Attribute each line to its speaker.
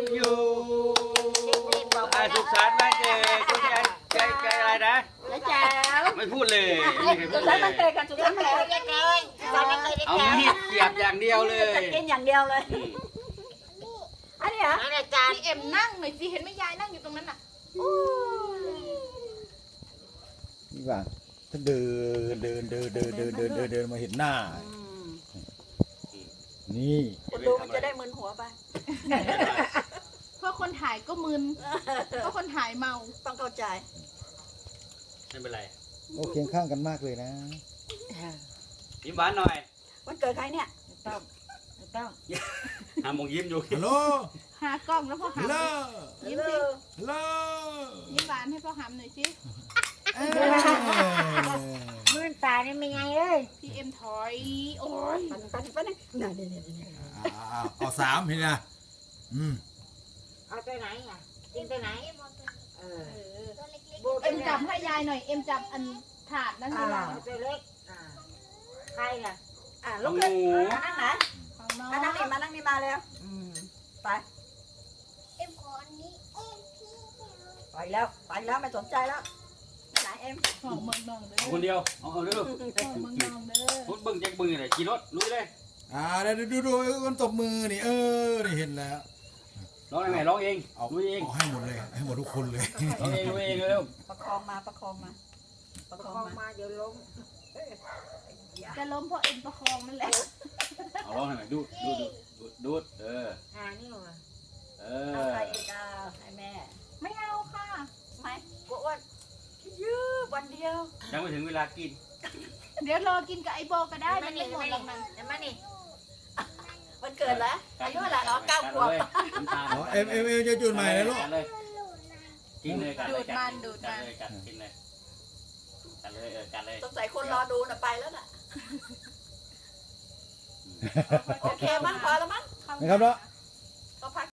Speaker 1: you สุขสันต์วันเกิดคุณยายใจอะไรนะ
Speaker 2: แจ๋ว
Speaker 1: ไม่พูดเลย
Speaker 2: สุขสันต์วันเกิดกันสุขสันต์วันเกิดเลย
Speaker 1: เอามีดเสียบอย่างเดียวเลย
Speaker 2: จะกินอย่างเดียวเลยอันนี้เหรอ
Speaker 3: พี่เอ็มนั่งหน่อยสิเห็นไหมยายนั่งอยู่ตรงนั้นน่ะ
Speaker 4: นี่ว่าถ้าเดินมาเห็นหน้านี่
Speaker 2: คนดูมันจะได้มึนหัวไป
Speaker 3: เพราะคนถ่ายก็มึนเพราะคนถ่ายเมา
Speaker 2: ต้องเข้าใจ
Speaker 1: ไม่เป็นไร
Speaker 4: โอ้เคียงข้างกันมากเลยนะ
Speaker 1: ยิ้มหวานหน่อย
Speaker 2: วันเกิดใครเนี่ยต้อง
Speaker 1: หาโมงยิ้มอยู่
Speaker 4: ฮัลโหล
Speaker 3: หากล้องแล้วพ่อหำยิ้มสิ
Speaker 4: ฮัลโหล
Speaker 3: ยิ้มหวานให้พ่อหำหน่อยสิ
Speaker 2: มื่นตานี่ไม่ไงเลย
Speaker 3: พี่เอ็มถอยโอ้ย
Speaker 2: ปันนี่
Speaker 4: เอา3เห็นไหม
Speaker 2: เอาตัวไหนอ่ะกินตัวไหน
Speaker 3: เอ็มจับให้ยายหน่อยเอ็มจับอันถาดนั่นเลย
Speaker 2: ตัวเล็กใครล่ะลูกขึ้นมานั่งไหนมานั่งนี่มาแล้วไป
Speaker 5: เอ็มขออันนี้
Speaker 2: ไปแล้วไม่สนใจแล้วไหนเอ็ม
Speaker 3: ของเมืองนองเด้อ
Speaker 1: คนเดียวเอาเด้อ
Speaker 3: ของเมืองนองเด้อ
Speaker 1: พูดบึ้งแจ็คบึ้งอะไรขี่รถลุยเลย
Speaker 4: ดูมันตบมือนี่นี่เห็นแล้ว
Speaker 1: ร้องยังไงร้องเองลุยเอง
Speaker 4: ให้หมดเลยให้หมดทุกคนเลย
Speaker 1: ร้องเองลุยเองเร็ว
Speaker 2: ประคองมาเดี๋ยวล้ม
Speaker 3: จะล้มเพราะเอ็มประคองนั่นแหละ
Speaker 1: เอาร้องให้หน่อยดูนี่
Speaker 2: ว่ะเอาใครอีกให้แม่
Speaker 3: ไม่เอาค่ะ
Speaker 2: ไม่กลัวอ้วนยื้อวันเดียว
Speaker 1: ยังไม่ถึงเวลากิน
Speaker 3: เดี๋ยวรอกินกับไอโบก็ได้ไม่หมดหรอกมัน
Speaker 2: มานี่วันเกิดแล้วอายุเท่าไหร่9 ขวบ
Speaker 4: เอ็มจะจุดใหม่เลยลูก
Speaker 1: กินเลยกัน
Speaker 3: ดูดมัน
Speaker 1: กินเลยกันเลย
Speaker 2: สงสัยคนรอดูน่ะไปแล้วน่ะโอเคมั้งพอแล้วมั้ง
Speaker 4: นะครับเนาะ
Speaker 2: ก็พัก